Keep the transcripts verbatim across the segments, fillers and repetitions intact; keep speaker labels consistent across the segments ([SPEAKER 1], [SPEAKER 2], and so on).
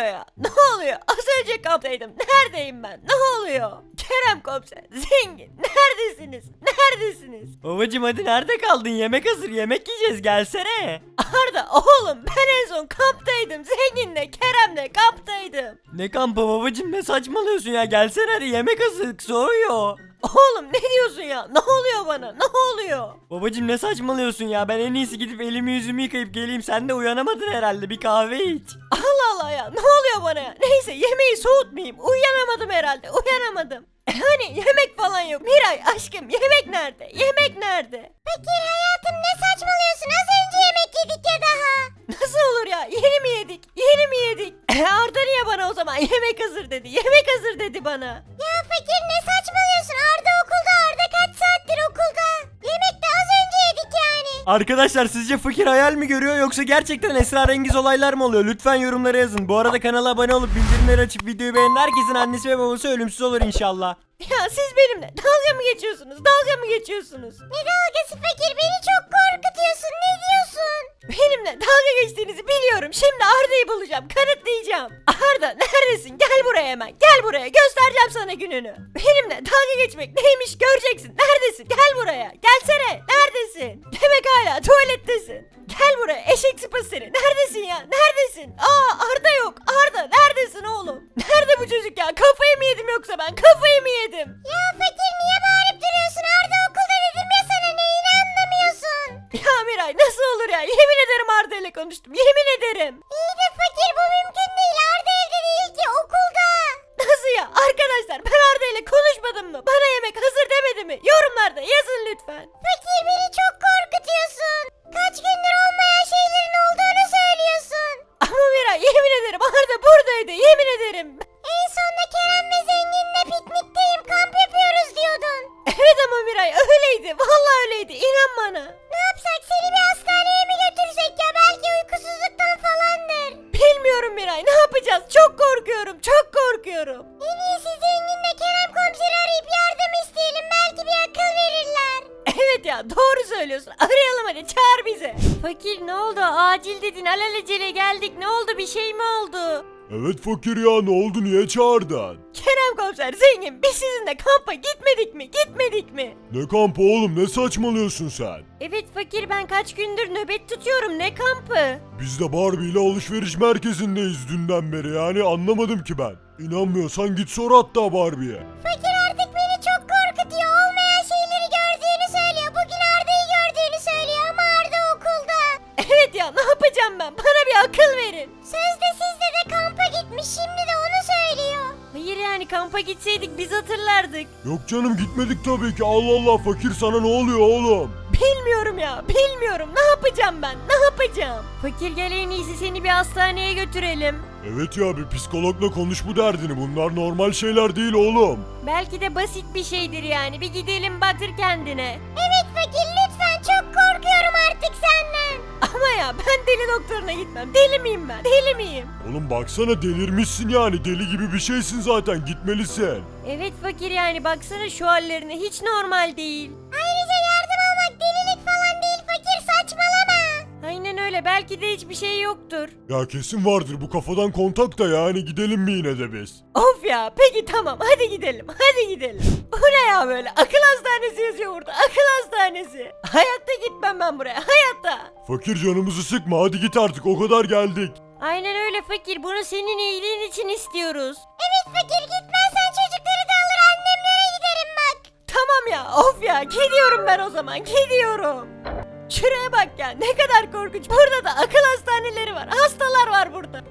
[SPEAKER 1] ya? Ne oluyor? Az önce kamptaydım. Neredeyim ben? Ne oluyor? Kerem komiser, zengin. Neredesiniz? Neredesiniz?
[SPEAKER 2] Babacım hadi nerede kaldın? Yemek hazır, yemek yiyeceğiz, gelsene.
[SPEAKER 1] Arda oğlum ben en son kamptaydım. Zenginle Kerem'le kamptaydım.
[SPEAKER 2] Ne kampı babacım, ne saçmalıyorsun ya, gelsene hadi, yemek hazır, soğuyor.
[SPEAKER 1] Oğlum ne diyorsun ya? Ne oluyor bana? Ne oluyor?
[SPEAKER 2] Babacım ne saçmalıyorsun ya, ben en iyisi gidip elimi yüzümü yıkayıp geleyim, sen de uyanamadın herhalde, bir kahve iç.
[SPEAKER 1] Allah Allah ya ne oluyor bana ya? Neyse yemeği soğutmayayım. Uyanamadım herhalde. Uyanamadım. E hani yemek falan yok. Miray aşkım yemek nerede? Yemek nerede?
[SPEAKER 3] Fakir hayatım ne saçmalıyorsun? Az önce yemek yedik ya daha.
[SPEAKER 1] Nasıl olur ya? Yeni mi yedik? Yeni mi yedik? E Arda niye bana o zaman yemek hazır dedi? Yemek hazır dedi bana.
[SPEAKER 3] Ya fakir ne saçmalıyorsun? Arda okulda. Arda kaç saattir okulda? Yemek de az önce yedik yani.
[SPEAKER 2] Arkadaşlar sizce fakir hayal mi görüyor yoksa gerçekten esrarengiz olaylar mı oluyor? Lütfen yorumlara yazın. Bu arada kanala abone olup bildirimleri açıp videoyu beğenen herkesin annesi ve babası ölümsüz olur inşallah.
[SPEAKER 1] Ya siz benimle dalga mı geçiyorsunuz? Dalga mı geçiyorsunuz?
[SPEAKER 3] Ne dalgası fakir? Beni çok korkutuyorsun. Ne diyorsun?
[SPEAKER 1] Benimle dalga geçtiğinizi biliyorum. Şimdi Arda'yı bulacağım. Kanıtlayacağım. Arda neredesin? Gel buraya hemen. Gel buraya. Göstereceğim sana gününü. Benimle dalga geçmek neymiş göreceksin. Neredesin? Gel buraya. Gelsene. Neredesin? Demek hala tuvalettesin. Gel buraya. Eşek sıpası seni. Neredesin ya? Neredesin? Aa Arda yok. Arda neredesin oğlum? Nerede bu çocuk ya? Kafayı mı yedim yoksa ben? Kafayı mı yedim?
[SPEAKER 3] Ya fakir niye bağırıp duruyorsun? Arda okulda dedim ya sana, neyini anlamıyorsun?
[SPEAKER 1] Ya Miray nasıl olur ya? Yemin ederim Arda ile konuştum. Yemin ederim.
[SPEAKER 3] İyi de fakir bu mümkün değil. Arda evde değil ki, okulda.
[SPEAKER 1] Nasıl ya? Arkadaşlar ben Arda ile konuşmadım mı? Bana yemek hazır demedi mi? Yorumlarda yazın lütfen.
[SPEAKER 3] Fakir beni çok korkutuyorsun. Kaç gündür olmayan şeylerin olduğunu söylüyorsun.
[SPEAKER 1] Ama Miray yemin ederim Arda buradaydı. Yemin ederim.
[SPEAKER 3] En sonunda Kerem ve Zengin'le piknikteyim, kamp yapıyoruz diyordun.
[SPEAKER 1] Evet ama Miray öyleydi. Vallahi öyleydi. İnan bana.
[SPEAKER 3] Ne yapsak, seni bir hastaneye mi götürsek ya? Belki uykusuzluktan falandır.
[SPEAKER 1] Bilmiyorum Miray. Ne yapacağız? Çok korkuyorum. Çok korkuyorum.
[SPEAKER 3] En iyisi Zengin'le Kerem komiseri arayıp yardım isteyelim. Belki bir akıl verirler.
[SPEAKER 1] Evet ya doğru söylüyorsun. Arayalım hadi çağır bizi. Fakir ne oldu? Acil dedin. Alelacele geldik. Ne oldu? Bir şey mi oldu?
[SPEAKER 4] Evet fakir ya, ne oldu, niye çağırdın?
[SPEAKER 1] Kerem komiser zengin biz sizinle kampa gitmedik mi? Gitmedik mi?
[SPEAKER 4] Ne kampı oğlum, ne saçmalıyorsun sen?
[SPEAKER 1] Evet fakir ben kaç gündür nöbet tutuyorum. Ne kampı?
[SPEAKER 4] Biz de Barbie ile alışveriş merkezindeyiz dünden beri, yani anlamadım ki ben. İnanmıyorsan git sor hatta Barbie'ye.
[SPEAKER 3] Fakir artık beni çok korkutuyor. Olmayan şeyleri gördüğünü söylüyor. Bugün Arda'yı gördüğünü söylüyor ama Arda okulda.
[SPEAKER 1] Evet ya ne yapacağım ben? Bana bir akıl verin.
[SPEAKER 3] Sözde sizle de kampa gitmiş, şimdi de onu söylüyor.
[SPEAKER 1] Hayır yani kampa gitseydik biz hatırlardık.
[SPEAKER 4] Yok canım, gitmedik tabii ki. Allah Allah fakir, sana ne oluyor oğlum?
[SPEAKER 1] Bilmiyorum ya bilmiyorum. Ne yapacağım ben? Ne yapacağım? Fakir gel en iyisi seni bir hastaneye götürelim.
[SPEAKER 4] Evet ya, bir psikologla konuş bu derdini, bunlar normal şeyler değil oğlum.
[SPEAKER 1] Belki de basit bir şeydir yani. Bir gidelim batır kendine.
[SPEAKER 3] Evet fakir lütfen, çok korkuyorum artık senden.
[SPEAKER 1] Ama ya ben deli doktoruna gitmem. Deli miyim ben? Deli miyim?
[SPEAKER 4] Oğlum baksana, delirmişsin yani, deli gibi bir şeysin zaten, gitmelisin.
[SPEAKER 1] Evet fakir yani baksana şu hallerine hiç normal değil.
[SPEAKER 3] Ayrıca yardım almak delilik falan değil fakir, saçmalama.
[SPEAKER 1] Aynen öyle belki de hiçbir şey yoktur.
[SPEAKER 4] Ya kesin vardır bu kafadan kontak da, yani gidelim mi yine de biz?
[SPEAKER 1] Of ya peki tamam hadi gidelim hadi gidelim. Bu ne ya böyle akıl hastanesi yazıyor burada akıl hastanesi. Hayatta gitmem ben buraya hayatta.
[SPEAKER 4] Fakir canımızı sıkma, hadi git artık, o kadar geldik.
[SPEAKER 1] Aynen öyle fakir bunu senin iyiliğin için istiyoruz.
[SPEAKER 3] Evet fakir, gitmezsen çocukları da alır annemlere giderim bak.
[SPEAKER 1] Tamam ya of ya gidiyorum ben o zaman gidiyorum. Şuraya bak ya ne kadar korkunç. Burada da akıl hastaneleri var. Hastalar var burada.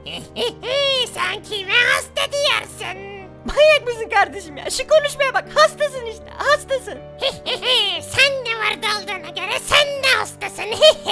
[SPEAKER 3] Sen kime hasta diyorsun?
[SPEAKER 1] Manyak mısın kardeşim ya? Şu konuşmaya bak. Hastasın işte. Hastasın.
[SPEAKER 3] Sen de vardı olduğuna göre sen de hastasın.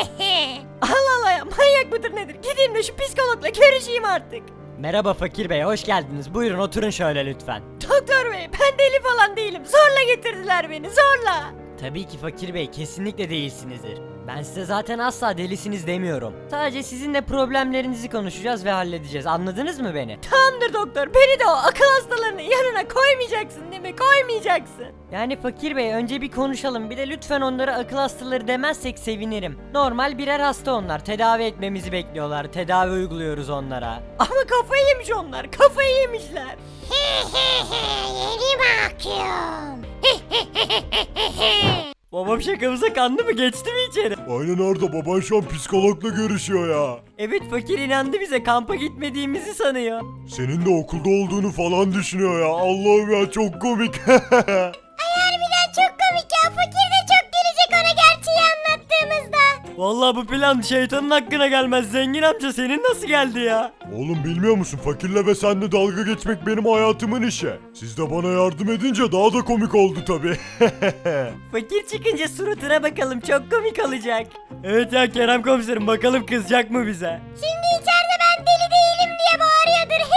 [SPEAKER 1] Allah Allah ya manyak mıdır nedir? Gideyim de şu psikologla görüşeyim artık.
[SPEAKER 2] Merhaba fakir bey, hoş geldiniz, buyurun oturun şöyle lütfen.
[SPEAKER 1] Doktor bey ben deli falan değilim. Zorla getirdiler beni zorla.
[SPEAKER 2] Tabii ki fakir bey, kesinlikle değilsinizdir. Ben size zaten asla delisiniz demiyorum. Sadece sizinle problemlerinizi konuşacağız ve halledeceğiz. Anladınız mı beni?
[SPEAKER 1] Tamamdır doktor, beni de o akıl hastalarının yanına koymayacaksın değil mi? Koymayacaksın.
[SPEAKER 2] Yani Fakir Bey önce bir konuşalım. Bir de lütfen onlara akıl hastaları demezsek sevinirim. Normal birer hasta onlar. Tedavi etmemizi bekliyorlar. Tedavi uyguluyoruz onlara.
[SPEAKER 1] Ama kafayı yemiş onlar, kafayı yemişler.
[SPEAKER 3] Yeni bakıyorum.
[SPEAKER 2] Babam şakamıza kandı mı? Geçti mi içeri?
[SPEAKER 4] Aynen Arda, baban şu an psikologla görüşüyor ya.
[SPEAKER 2] Evet, Fakir inandı bize. Kampa gitmediğimizi sanıyor.
[SPEAKER 4] Senin de okulda olduğunu falan düşünüyor ya. Allah'ım ya, çok komik.
[SPEAKER 3] Harbiden çok komik ya. Fakir de çok gelecek ona gerçeği anlattığımızda.
[SPEAKER 2] Vallahi bu plan şeytanın hakkına gelmez. Zengin amca senin nasıl geldi ya?
[SPEAKER 4] Oğlum bilmiyor musun? Fakirle ve seninle dalga geçmek benim hayatımın işi. Siz de bana yardım edince daha da komik oldu tabii.
[SPEAKER 2] Fakir çıkınca suratına bakalım, çok komik olacak. Evet ya Kerem komiserim, bakalım kızacak mı bize?
[SPEAKER 3] Şimdi içeride ben deli değilim diye bağırıyordur.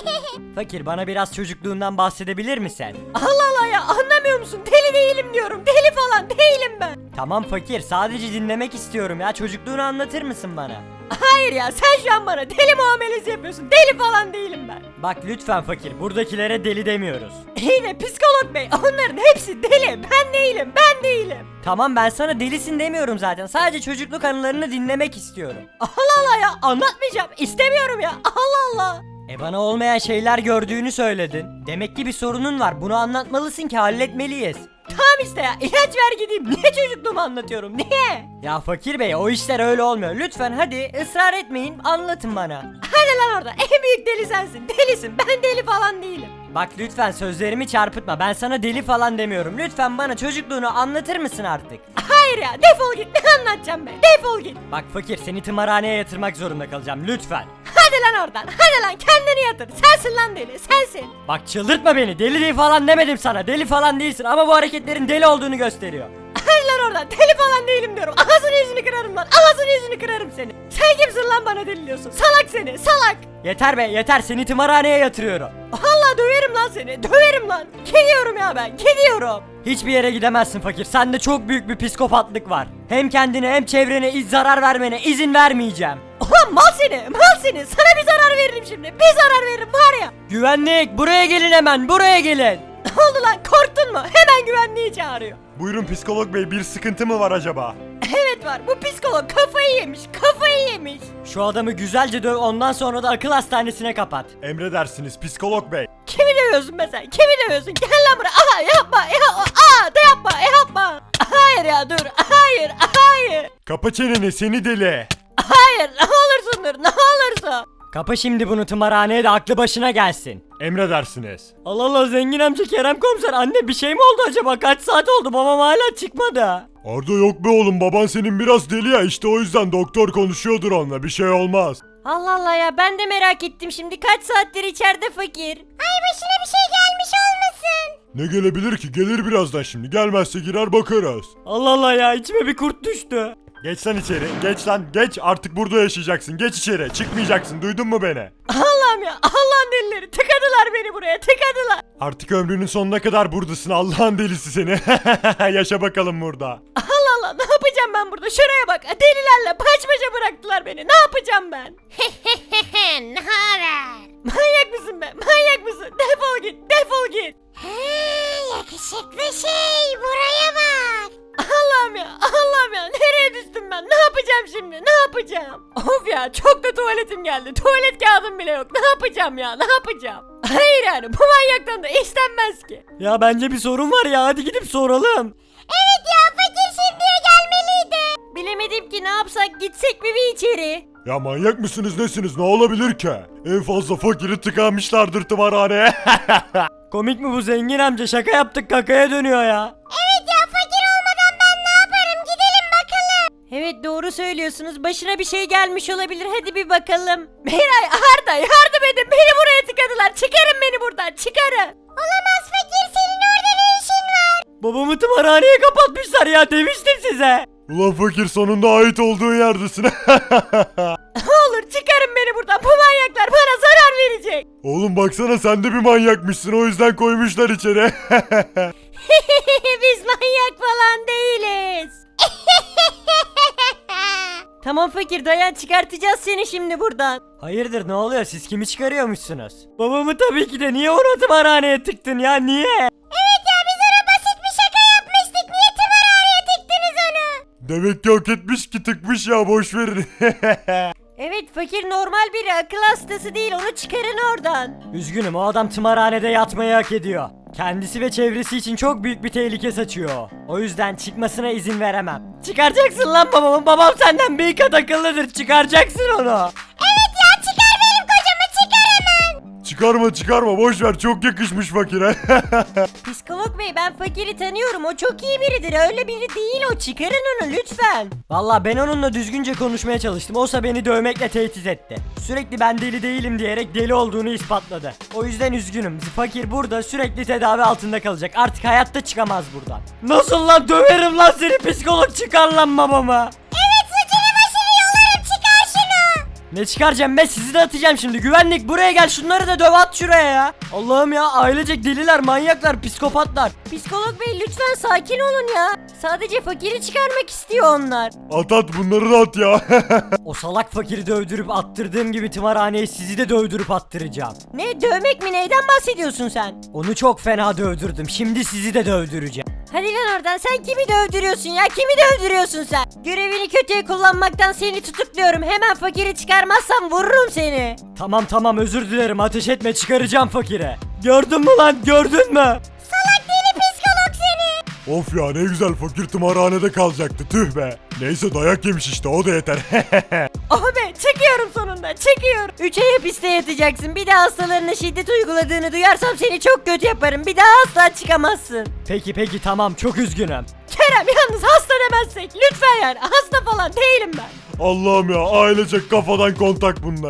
[SPEAKER 2] Fakir, bana biraz çocukluğundan bahsedebilir misin?
[SPEAKER 1] Allah Allah ya, anlamıyor musun? Deli değilim diyorum, deli falan değilim ben.
[SPEAKER 2] Tamam Fakir, sadece dinlemek istiyorum ya. Çocukluğunu anlatır mısın bana?
[SPEAKER 1] Hayır ya, sen şu an bana deli muamelesi yapıyorsun, deli falan değilim ben.
[SPEAKER 2] Bak lütfen Fakir, buradakilere deli demiyoruz.
[SPEAKER 1] İyi de psikolog bey, onların hepsi deli, ben değilim, ben değilim.
[SPEAKER 2] Tamam, ben sana delisin demiyorum zaten. Sadece çocukluk anılarını dinlemek istiyorum.
[SPEAKER 1] Allah Allah ya, anlatmayacağım, istemiyorum ya, Allah Allah.
[SPEAKER 2] E bana olmayan şeyler gördüğünü söyledin. Demek ki bir sorunun var. Bunu anlatmalısın ki halletmeliyiz.
[SPEAKER 1] Tamam işte ya, ilaç ver gideyim, niye çocukluğumu anlatıyorum, niye?
[SPEAKER 2] Ya Fakir Bey, o işler öyle olmuyor. Lütfen hadi ısrar etmeyin, anlatın bana.
[SPEAKER 1] Hadi lan orada, en büyük deli sensin, delisin, ben deli falan değilim.
[SPEAKER 2] Bak lütfen sözlerimi çarpıtma. Ben sana deli falan demiyorum. Lütfen bana çocukluğunu anlatır mısın artık?
[SPEAKER 1] Hayır ya, defol git, ne anlatacağım be, defol git.
[SPEAKER 2] Bak Fakir, seni tımarhaneye yatırmak zorunda kalacağım. Lütfen.
[SPEAKER 1] Hadi lan oradan, hadi lan kendini yatır, sensin lan deli, sensin.
[SPEAKER 2] Bak çıldırtma beni. Deli değil falan demedim sana. Deli falan değilsin ama bu hareketlerin deli olduğunu gösteriyor.
[SPEAKER 1] Hadi lan oradan, deli falan değilim diyorum, ağzını yüzünü kırarım lan, ağzını yüzünü kırarım seni. Sen kimsin lan bana deli diyorsun, salak seni, salak.
[SPEAKER 2] Yeter be yeter, seni tımarhaneye yatırıyorum.
[SPEAKER 1] Allah döverim lan seni, döverim lan. Gidiyorum ya ben, gidiyorum.
[SPEAKER 2] Hiçbir yere gidemezsin Fakir. Sende çok büyük bir psikopatlık var. Hem kendine hem çevrene iz zarar vermene izin vermeyeceğim.
[SPEAKER 1] Ulan mal seni, mal seni, sana bir zarar veririm şimdi, bir zarar veririm var ya.
[SPEAKER 2] Güvenlik, buraya gelin hemen, buraya gelin.
[SPEAKER 1] Ne oldu lan, korktun mu? Hemen güvenliği çağırıyor.
[SPEAKER 4] Buyurun psikolog bey, bir sıkıntı mı var acaba?
[SPEAKER 1] Evet var, bu psikolog kafayı yemiş, kafayı yemiş.
[SPEAKER 2] Şu adamı güzelce döv, ondan sonra da akıl hastanesine kapat.
[SPEAKER 4] Emredersiniz psikolog bey.
[SPEAKER 1] Kimi dövüyorsun be sen, kimi dövüyorsun? Gel lan buraya, aha yapma, yapma, aa da yapma, yapma. Hayır ya dur, hayır, hayır.
[SPEAKER 4] Kapa çeneni seni deli.
[SPEAKER 1] Hayır, ne olursun dur, ne olursun.
[SPEAKER 2] Kapa şimdi bunu tımarhaneye de aklı başına gelsin.
[SPEAKER 4] Emredersiniz.
[SPEAKER 2] Allah Allah, zengin amca Kerem komiser, anne bir şey mi oldu acaba? Kaç saat oldu, babam hala çıkmadı.
[SPEAKER 4] Arda yok be oğlum, baban senin biraz deli ya, işte o yüzden doktor konuşuyordur onunla, bir şey olmaz.
[SPEAKER 1] Allah Allah ya, ben de merak ettim şimdi, kaç saattir içeride fakir.
[SPEAKER 3] Ay başına bir şey gelmiş olmasın.
[SPEAKER 4] Ne gelebilir ki, gelir birazdan şimdi, gelmezse girer bakarız.
[SPEAKER 2] Allah Allah ya, içime bir kurt düştü.
[SPEAKER 4] Geç lan içeri, geç lan, geç, artık burada yaşayacaksın, geç içeri, çıkmayacaksın, duydun mu beni?
[SPEAKER 1] Allah'ım ya, Allah'ın delileri, tıkadılar beni buraya, tıkadılar.
[SPEAKER 4] Artık ömrünün sonuna kadar buradasın, Allah'ın delisi seni. Yaşa bakalım burada.
[SPEAKER 1] Allah Allah, ne yapacağım ben burada, şuraya bak, delilerle baş başa bıraktılar beni, ne yapacağım ben?
[SPEAKER 3] Ne haber?
[SPEAKER 1] Manyak mısın be, manyak mısın? Defol git, defol git.
[SPEAKER 3] Ha, yakışıklı şey buraya bak.
[SPEAKER 1] Allah'ım ya, Allah'ım ya, nereye düştüm ben, ne yapacağım şimdi, ne yapacağım? Of ya, çok da tuvaletim geldi, tuvalet kağıdım bile yok, ne yapacağım ya, ne yapacağım? Hayır yani, bu manyaktan da istenmez ki.
[SPEAKER 2] Ya bence bir sorun var ya, hadi gidip soralım.
[SPEAKER 3] Evet ya, fakir şimdiye gelmeliydi.
[SPEAKER 1] Bilemedim ki, ne yapsak, gitsek mi bir içeri?
[SPEAKER 4] Ya manyak mısınız nesiniz, ne olabilir ki? En fazla fakiri tıkanmışlardır tımarhaneye.
[SPEAKER 2] Komik mi bu zengin amca, şaka yaptık kakaya dönüyor ya.
[SPEAKER 3] Evet ya, fakir olmadan ben ne yaparım, gidelim bakalım.
[SPEAKER 1] Evet doğru söylüyorsunuz, başına bir şey gelmiş olabilir, hadi bir bakalım. Miray, Arda yardım edin, beni buraya tıkadılar, çıkarın beni buradan, çıkarın.
[SPEAKER 3] Olamaz fakir, senin orada ne işin var?
[SPEAKER 2] Babamı tımarhaneye kapatmışlar ya, demiştim size.
[SPEAKER 4] Ulan fakir, sonunda ait olduğun yerdesin.
[SPEAKER 1] Ne olur çıkarın beni buradan, bu manyaklar bana zarar verecek.
[SPEAKER 4] Oğlum baksana, sen de bir manyakmışsın, o yüzden koymuşlar içeri.
[SPEAKER 1] Biz manyak falan değiliz. Tamam fakir dayan, çıkartacağız seni şimdi buradan.
[SPEAKER 2] Hayırdır ne oluyor, siz kimi çıkarıyormuşsunuz? Babamı tabii ki de. Niye onu tımarhaneye tıktın ya, niye?
[SPEAKER 3] Evet ya biz ona basit bir şaka yapmıştık. Niye tımarhaneye tıktınız onu?
[SPEAKER 4] Demek ki hak etmiş ki tıkmış ya, boş verin.
[SPEAKER 1] Evet fakir normal biri, akıl hastası değil, onu çıkarın oradan.
[SPEAKER 2] Üzgünüm, o adam tımarhanede yatmayı hak ediyor. Kendisi ve çevresi için çok büyük bir tehlike saçıyor. O yüzden çıkmasına izin veremem. Çıkaracaksın lan babamı. Babam senden bir kat akıllıdır. Çıkaracaksın onu.
[SPEAKER 3] Evet ya çıkar benim kocamı çıkar hemen.
[SPEAKER 4] Çıkarma çıkarma, boş ver, çok yakışmış fakire.
[SPEAKER 1] Psikolog bey, ben fakiri tanıyorum, o çok iyi biridir, öyle biri değil o, çıkarın onu lütfen.
[SPEAKER 2] Valla ben onunla düzgünce konuşmaya çalıştım. Oysa beni dövmekle tehdit etti. Sürekli ben deli değilim diyerek deli olduğunu ispatladı. O yüzden üzgünüm. Fakir burada sürekli tedavi altında kalacak. Artık hayatta çıkamaz buradan. Nasıl lan, döverim lan seni, psikolog, çıkar lan babamı.
[SPEAKER 3] Evet suçunu başını yolarım, çıkar şunu.
[SPEAKER 2] Ne çıkaracağım be, sizi de atacağım şimdi. Güvenlik buraya gel, şunları da döv, at şuraya ya. Allah'ım ya, ailecek deliler, manyaklar, psikopatlar.
[SPEAKER 1] Psikolog bey lütfen sakin olun ya. Sadece fakiri çıkarmak istiyor onlar.
[SPEAKER 4] At at, bunları da at ya.
[SPEAKER 2] O salak fakiri dövdürüp attırdığım gibi tımarhaneye sizi de dövdürüp attıracağım.
[SPEAKER 1] Ne, dövmek mi, neyden bahsediyorsun sen?
[SPEAKER 2] Onu çok fena dövdürdüm, şimdi sizi de dövdüreceğim.
[SPEAKER 1] Hadi lan oradan, sen kimi dövdürüyorsun ya, kimi dövdürüyorsun sen? Görevini kötüye kullanmaktan seni tutukluyorum, hemen fakiri çıkarmazsan vururum seni.
[SPEAKER 2] Tamam tamam, özür dilerim, ateş etme, çıkaracağım fakire. Gördün mü lan, gördün mü?
[SPEAKER 3] Salak deli psikolog seni.
[SPEAKER 4] Of ya, ne güzel, fakir tımarhanede kalacaktı, tüh be. Neyse, dayak yemiş işte, o da yeter.
[SPEAKER 1] Oh be, çıkıyorum sonunda, çıkıyorum. Üç ay hapiste yatacaksın, bir daha hastalarına şiddet uyguladığını duyarsam seni çok kötü yaparım, bir daha asla çıkamazsın.
[SPEAKER 2] Peki peki tamam, çok üzgünüm.
[SPEAKER 1] Kerem yalnız hasta demezsek lütfen, yani hasta falan değilim ben.
[SPEAKER 4] Allah'ım ya, ailecek kafadan kontak bunlar.